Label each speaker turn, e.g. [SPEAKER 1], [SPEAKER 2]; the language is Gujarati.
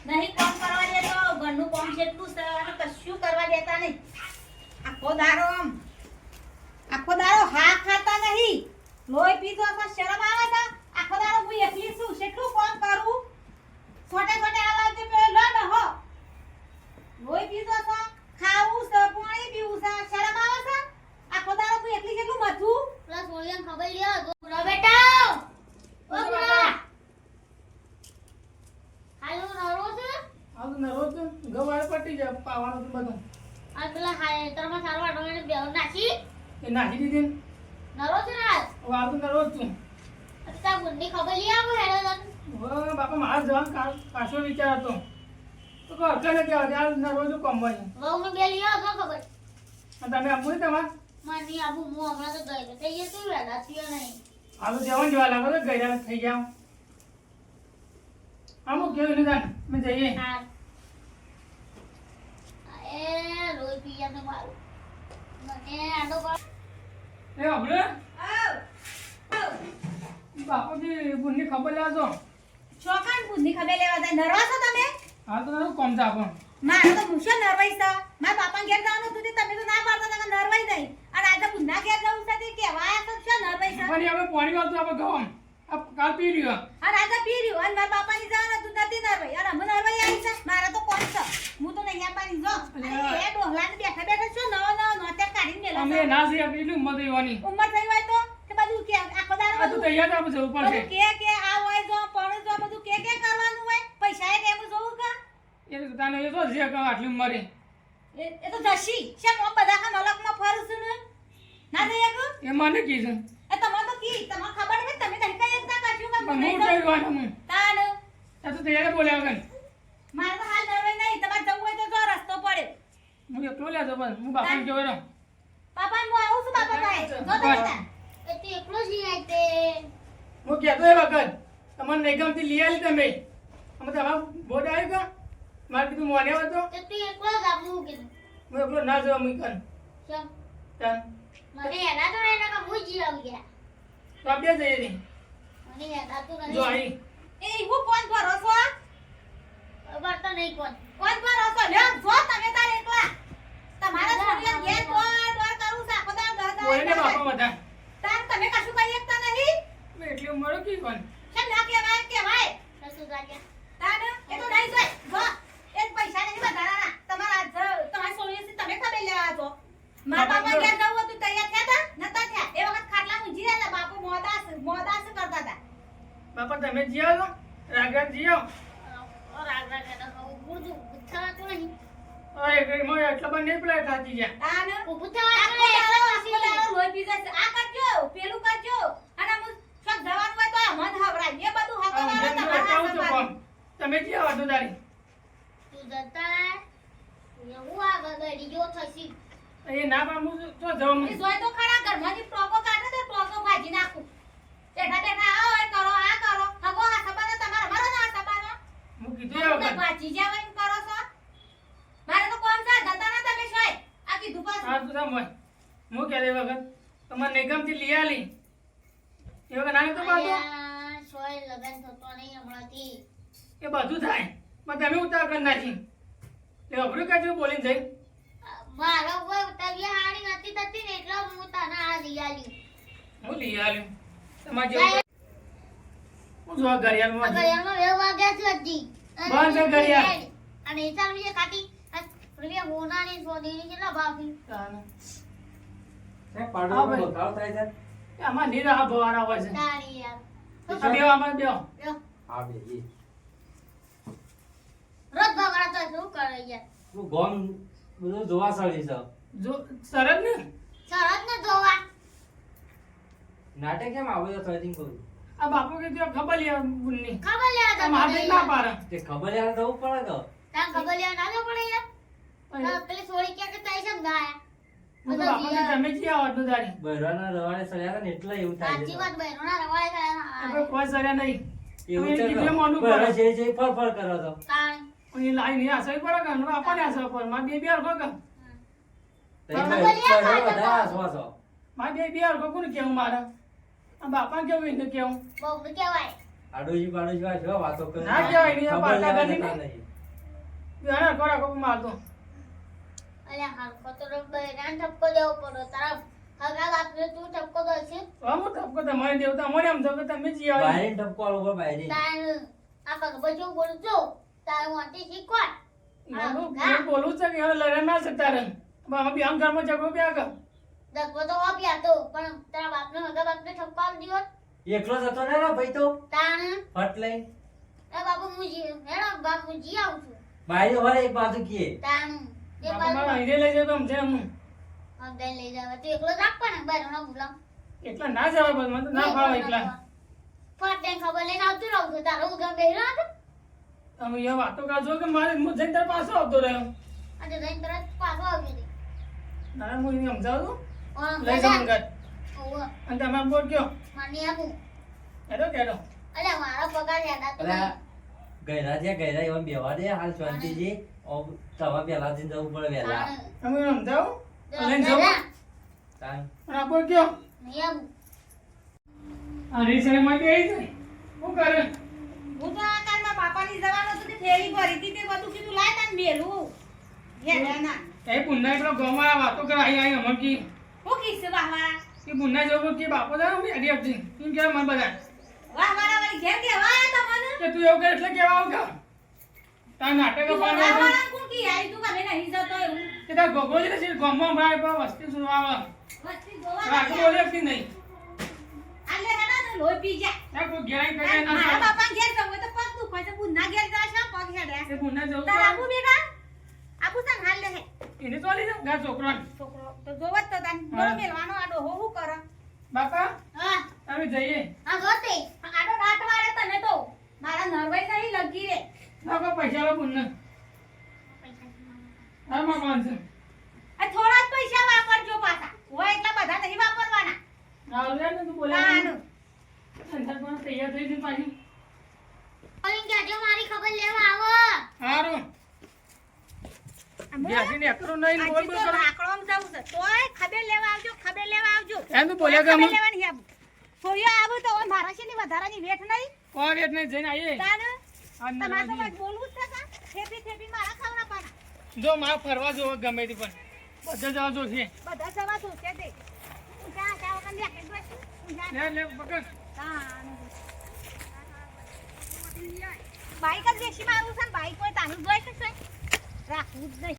[SPEAKER 1] નહીં કામ કરવા દેતો ઘરનું કામ કેટલું છે અને કશું કરવા દેતા નહીં આખો દારો હા ખાતા નહીં લોહી પીધો તો શરમ આવે છે આખો દારો હું એકલી છું કેટલું કામ કરું છોટે છોટે આલાવતી પેલો લડ હો લોહી પીધો તો ખાવું છે પાણી પીવું છે શરમ આવે છે આખો દારો હું એકલી કેટલું મથું પ્લસ ઓલિયન ખબર લ્યો ગોરા બેટા ઓ ગોરા હાલો નરો છે
[SPEAKER 2] આ તો નરો છે ગવાય પટી જાય પાવાનું તો બધું
[SPEAKER 1] આ પેલા હાય તરમાં સારો આટો એને બેવ નાખી
[SPEAKER 2] એ નાખી દીધી
[SPEAKER 1] નરો છે ના
[SPEAKER 2] હવે આ તો નરો જ છું
[SPEAKER 1] અત્તા ગુંડી ખબર લી આવો હેડો તન
[SPEAKER 2] ઓ બાપા મારા જવાન પાછો વિચાર હતો તો કહો અકલે કે આ નરો જો કમવાય
[SPEAKER 1] વહુ ને બે લ્યો તો ખબર
[SPEAKER 2] અને તમે આપું તમાર
[SPEAKER 1] માની આબુ મો હમણાં તો ગઈ થઈ ગઈ તું વેલા થયો નહીં
[SPEAKER 2] આ તો જવાન જેવા લાગો તો ગયડા થઈ ગયા આમો કેવું લીધા મેં જઈએ
[SPEAKER 1] હા એ રોઈ પિયા ને મારું મને આડો પર
[SPEAKER 2] એ આપણે બાપુજી બુનની ખબર લેજો
[SPEAKER 1] ચોકાન બુદ્ધિ ખબર લેવા જાય નરવા છો તમે
[SPEAKER 2] હા તો નરું કોમ છે આપણ
[SPEAKER 1] મારે તો મુશો નરવાઈ છે મારા બાપા ઘેર જવાનું હતું તે તમે તો ના પાડતા હતા કે નરવાઈ નહીં અને આજે બુદ્ધા ઘેર જવું છે તે કહેવાય તો શું નરવાઈ છે
[SPEAKER 2] પણ હવે પાણી વાળતું આપણે ગવામ આ કાલ પી રહ્યો
[SPEAKER 1] અને આજે પી રહ્યું અને મારા બાપાની જવાનું હતું નથી નરવાઈ અને અમે નરવાઈ આવી છે મારે તો કોણ છે હું તો નહીં આપવાની જો અને એ ડોહલાને બેઠા બેઠા શું નવો નોતે કાઢીને મેલા
[SPEAKER 2] અમે ના જઈએ એટલી ઉંમર દેવાની
[SPEAKER 1] ઉંમર થઈ હોય તો કે બધું કે આખો દાડો
[SPEAKER 2] આ તો તૈયાર આપણે જવું પડશે
[SPEAKER 1] બધું કે આ હોય જો પણ જો બધું કે કરવાનું હોય પૈસા એ કેમ જોવું કા
[SPEAKER 2] એ તને એ તો જે કહો આટલી ઉંમરે
[SPEAKER 1] એ તો જશી શેમ હું બધા કા મલકમાં ફરું છું ને ના જઈએ ગો
[SPEAKER 2] એ મને કીધું
[SPEAKER 1] એ તમાર તો કી તમાર ખબર છે તમે કઈ કઈ એકતા કરશું કે
[SPEAKER 2] પણ હું કહેવાનું હું
[SPEAKER 1] તાન
[SPEAKER 2] આ તો તૈયાર બોલ્યા વગર
[SPEAKER 1] મારે તો હાલ નરવાઈ નહીં તમારે જવું હોય તો જો રસ્તો પડે
[SPEAKER 2] હું એકલો લેજો બસ હું બાપાને જોઈ રહ્યો
[SPEAKER 1] પાપા હું આવું છું બાપા પાસે જો તમે તા એ તો એકલો જ લઈ આવી તે
[SPEAKER 2] હું કહેતો એ વખત તમને નિગમથી લઈ આવી તમે અમે તમારા બોર્ડ આવ્યું કા મારે કીધું મોને હતો
[SPEAKER 1] તે તું એકલો જ આપું કીધું
[SPEAKER 2] હું એકલો ના જવા મૂકન
[SPEAKER 1] કેમ
[SPEAKER 2] તન
[SPEAKER 1] મને એના તો એના કા હું જી આવી ગયા
[SPEAKER 2] તો આપણે જઈએ રે
[SPEAKER 1] મને એના તો
[SPEAKER 2] જો અહીં
[SPEAKER 1] એ હું કોણ ભરોસો ખબર તો નહીં કોણ ભરોસો લ્યો જો તમે તાર એકલા તમારા છોડીયા ઘેર દોર કરું છે આખો દાડો ઘર
[SPEAKER 2] કોઈને બાપા બધા
[SPEAKER 1] તાર તમે કશું કહી શકતા નહીં
[SPEAKER 2] એટલી ઉંમર કી કોણ
[SPEAKER 1] કેમ ના કહેવાય કશું ગાડ્યા તાર એ તો નહીં જોઈ જો એ પૈસા નહીં વધારાના તમારા તમારા છોડીયા તમે ખબર લેવા છો મારા બાપા ઘેર જવું હતું તૈયાર થયા હતા નતા થયા એ વખત ખાટલા ઊંઘી રહ્યા હતા બાપુ મોદાસ કરતા હતા
[SPEAKER 2] બાપા તમે જીઓ રાગા જીઓ
[SPEAKER 1] રાગ ગુરજુ થવાતું નહીં
[SPEAKER 2] ઓય કઈ મોય એટલા બંને પ્લેટ થાતી ગયા
[SPEAKER 1] તાન ઊભું થવાતું આખો દાડો લોહી પી જાય આ કરજો પેલું કરજો અને હું સબ જવાનું હોય તો આ મન હવરાય એ બધું હકવાળો તમારા
[SPEAKER 2] તમે જીઓ વાતો દારી
[SPEAKER 1] તું જતા એવું આ ગગડી જો થસી
[SPEAKER 2] એ ના બા હું તો જવું
[SPEAKER 1] એ જોય તો ખરા ઘરમાંથી ટોકો કાઢે તો ટોકો ભાજી નાખું બેઠા બેઠા આવો એ કરો આ કરો હગો આ સબાનો તમારો મારો ના સબાનો
[SPEAKER 2] હું કીધું એ
[SPEAKER 1] તમે
[SPEAKER 2] વખત
[SPEAKER 1] ભાજી જાવ એમ કરો છો મારે તો કોમ છે જતા ના તમે શોય આ કીધું પાછું
[SPEAKER 2] હા તું સાંભળ હું કહે એ વખત તમારે નિગમથી લઈ આલી એ વખત નાની તો બાતો
[SPEAKER 1] શોય લગન થતો નહીં હમણાંથી
[SPEAKER 2] એ બધું થાય પણ તમે ઉતાર કરી નાખી એ અભરું કાજુ બોલીને જઈ
[SPEAKER 1] મારો કોઈ તબિયત હારી નથી થતી ને એટલે હું તને આ લઈ આલી
[SPEAKER 2] હું લઈ આલ્યું તમારે જેવું હું જો ઘડિયાળમાં
[SPEAKER 1] ઘડિયાળમાં 2 વાગ્યા છે હજી
[SPEAKER 2] બંધ છે ઘડિયાળ
[SPEAKER 1] અને એ ચાલ બીજે કાટી રૂપિયા હોનાની સોદીની કેટલા બાકી
[SPEAKER 3] એ પાડો બગાવ થાય છે
[SPEAKER 2] આમાં નીરા ભવાના હોય છે
[SPEAKER 1] તારી યાર
[SPEAKER 2] આ બેવ આમાં બેવ
[SPEAKER 3] આ બે ઈ
[SPEAKER 1] રોજ બગડા તો શું કરે યાર
[SPEAKER 3] હું ગોમ બધું જોવા સળી છે
[SPEAKER 2] જો સરસ ને
[SPEAKER 1] સરસ ને જોવા
[SPEAKER 3] નાટક કેમ આવે તો થઈંગ કરું
[SPEAKER 2] આ બાપુ કે જો ખબર લે બુનની
[SPEAKER 1] ખબર લેવા
[SPEAKER 2] આ માથે ના પાડે
[SPEAKER 3] તે ખબર યાર થવું પડે તો
[SPEAKER 1] તાન ખબર લેવા ના જો પડે યાર પેલી સોળી ક્યાં કે તઈ સમ ગાયા
[SPEAKER 2] હું તો બાપાને તમે જી આવડતું દારી
[SPEAKER 3] બહેરાના રવાડે સળ્યા હતા ને એટલે એવું થાય
[SPEAKER 1] સાચી
[SPEAKER 3] છે
[SPEAKER 1] વાત બહેનોના રવાળે
[SPEAKER 2] આપણે કોઈ સર્યા નહીં
[SPEAKER 3] એવું
[SPEAKER 2] હવે
[SPEAKER 3] છે
[SPEAKER 2] કીધું મોઢું
[SPEAKER 3] બહેરા
[SPEAKER 2] પડે.
[SPEAKER 3] જે ફર ફર કરો તો
[SPEAKER 1] તાણ
[SPEAKER 2] પણ એ લાઈ નહીં આસવી પડે કે હમણાં આપણને આસવા પડે મારે બે હરખો કે
[SPEAKER 3] તઈ
[SPEAKER 1] ખબર
[SPEAKER 3] બહેરા
[SPEAKER 1] યાર,
[SPEAKER 3] બધા આસવા છો
[SPEAKER 2] મારે બે હરખો કોને કેવું મારે આ બાપાને કેવું એને કેવું
[SPEAKER 1] બહુ કહેવાય
[SPEAKER 3] આડોજી બાડોજી આ જો વાતો કરે
[SPEAKER 2] ના કહેવાય નહીં, આ
[SPEAKER 3] ખબર
[SPEAKER 2] પાટા
[SPEAKER 3] લેવા
[SPEAKER 2] ગણી
[SPEAKER 3] જતા
[SPEAKER 2] નહીં.
[SPEAKER 3] નહીં.
[SPEAKER 2] બેહાડો કોરા કોપ મારતો
[SPEAKER 4] અલ્યા હાલકો તો બૈરાને ઠપકો દેવો પડો તારા હગા બાપને તું ઠપકો દોશે
[SPEAKER 2] અમો ટપકો તમારે દેવતા મને એમ તો કે તમે જી આવી
[SPEAKER 3] બાયરીને ટપકો આલો ઉપર બાયરી.
[SPEAKER 4] તાર આ પગબજો બોલજો તાર મોટી શીખવાડ
[SPEAKER 2] હું બોલું છે કે હવે લડે ના શકતા રહે બાબા બી આમ ઘરમાં ઝઘડો બી આગળ
[SPEAKER 4] દગવો તો આપ્યા તો પણ તારા બાપને હગા બાપને ઠપકો આલ દીધો
[SPEAKER 3] એકલો જતો ને રે ભાઈ તો
[SPEAKER 4] તાણ
[SPEAKER 3] ફટ લઈ
[SPEAKER 4] એ બાપુ મુજી હેડો બાપુ જી આવું છું
[SPEAKER 3] બાયરી વાળે એક બાજુ કીએ
[SPEAKER 4] તાણ એ
[SPEAKER 2] બાપા મારા
[SPEAKER 4] બાપુ
[SPEAKER 2] અહીંરે લઈ જાય તો આમ છે એમ
[SPEAKER 4] હગા લઈ જાવ તું એકલો જ આપવા ને બારનો બોલાવ
[SPEAKER 2] એકલા ના જવા બસ મને તો ના ફાવે એકલા
[SPEAKER 4] ફટ દે ખબર લઈને આવતું રહું છું તારો ઉગા બેહરો હતો
[SPEAKER 2] તમે એ વાતો કરજો કે મારે હું જઈને તારા પાછો આવતો રહ્યો
[SPEAKER 4] આજે જઈને તરત પાછો આવી ગઈ
[SPEAKER 2] ના હું એને સમજાવું
[SPEAKER 4] ઓમ
[SPEAKER 2] લઈ જાઉં ઘર
[SPEAKER 4] ઓવ
[SPEAKER 2] અને તમે બોલ કયો
[SPEAKER 4] માની આપું
[SPEAKER 2] હેડો કેડો
[SPEAKER 4] અલ્યા મારો પગાર યાદ આતો
[SPEAKER 3] અલા ગયરા જ્યાં ગયરા એવા બેવા દે હાલ શાંતિજી ઓ તવા પેલા જઈને જવું પડે વહેલા
[SPEAKER 2] તમે એને સમજાવું લઈને જાઉં
[SPEAKER 3] તાન
[SPEAKER 2] અને આ બોલ કયો
[SPEAKER 4] નહીં આવું
[SPEAKER 2] આ રીસરે માં આવી જાય શું કરે
[SPEAKER 1] હું તો આ કાલમાં બાપાની જવાનું હતું કે થેલી ભરી હતી તે બધું કીધું લાય તને મેલું હેડ્યાના
[SPEAKER 2] એ પુન્ના પેલો ગોમાં વાતો કરે અહીં અમર કી
[SPEAKER 1] હું કીધું વાહવાળા
[SPEAKER 2] કે પુન્ના જવું કે બાપો દા હું અડી આપજી તું કે મન બધા
[SPEAKER 1] વાહવાળા વાળી ઘેર કેવા આયા તમને
[SPEAKER 2] કે તું એવું કરે એટલે કેવા આવ કા તાર નાટક પાડવા
[SPEAKER 1] વાહવાળા કોણ કી આવી તું કને નહીં જતો એવું
[SPEAKER 2] કે તાર ગોગો જ છે ગોમાં ભાઈ પર વસ્તી સુરવા
[SPEAKER 1] વસ્તી જોવા
[SPEAKER 2] રાખો બોલે કે નહીં
[SPEAKER 1] આલે હેડા ને લોહી પી જા
[SPEAKER 2] ના કોઈ ગેરાઈ કરે ના
[SPEAKER 1] મારા
[SPEAKER 2] ચાલે.
[SPEAKER 1] બાપા ઘેર જવું હોય તો પગ દુખાય છે બુના ઘેર જાય છે પગ હેડ્યા
[SPEAKER 2] એ પુન્ના જવું
[SPEAKER 1] તાર
[SPEAKER 2] તો
[SPEAKER 1] આબુ બેટા આબુ તને હાલ લે હે
[SPEAKER 2] એને ચોલી જા ગા છોકરાને
[SPEAKER 1] છોકરો તો જોવત તો તને બોલો મેલવાનો આડો હો હું કરે
[SPEAKER 2] બાપા
[SPEAKER 4] હા
[SPEAKER 2] અમે જઈએ
[SPEAKER 4] હા ગોતે
[SPEAKER 1] આડો રાત વાળે તને તો મારા નરવાઈ નહીં લગી રે
[SPEAKER 2] બાપા પૈસા લો પુન્ના હા માં કોણ છે
[SPEAKER 1] આ થોડા જ પૈસા વાપરજો પાછા હોય એટલા બધા નહીં વાપરવાના
[SPEAKER 2] આવ લે ને તું બોલે
[SPEAKER 1] નાનું
[SPEAKER 2] અંતર પણ તૈયાર થઈ જઈ પાછી
[SPEAKER 4] ઓલી જાજો મારી ખબર લેવા આવો
[SPEAKER 2] હારું બેસીને એકલું નહીં બોલ બોલ કરો
[SPEAKER 1] આકડોમ જવું છે તોય ખબર લેવા આવજો
[SPEAKER 2] એમ તો બોલ્યા કે
[SPEAKER 1] ખબર
[SPEAKER 2] અમે
[SPEAKER 1] લેવાની આબુ છોરીઓ આબુ તો હવે મારા છે ની વધારાની વેઠ નહીં
[SPEAKER 2] કોણ એટલે જઈને આવીએ
[SPEAKER 1] તાને
[SPEAKER 2] આ
[SPEAKER 1] તમારે તો
[SPEAKER 2] નરવા
[SPEAKER 1] બસ બોલવું જ છે કા ખેપી મારા ખાવડા પાડા
[SPEAKER 2] જઈએ. જો મારે ફરવા જવો ગમે તે પણ બધા જવા જો છે
[SPEAKER 1] બધા જવા તો છે તે ઊંચા ચા વખત લે કે જોઈશું ઊંચા
[SPEAKER 2] લે પકડ
[SPEAKER 1] બાઈક જ બેસી મારું છે ને બાઈક હોય તાનું જોઈ શકશે રાખવું જ નહીં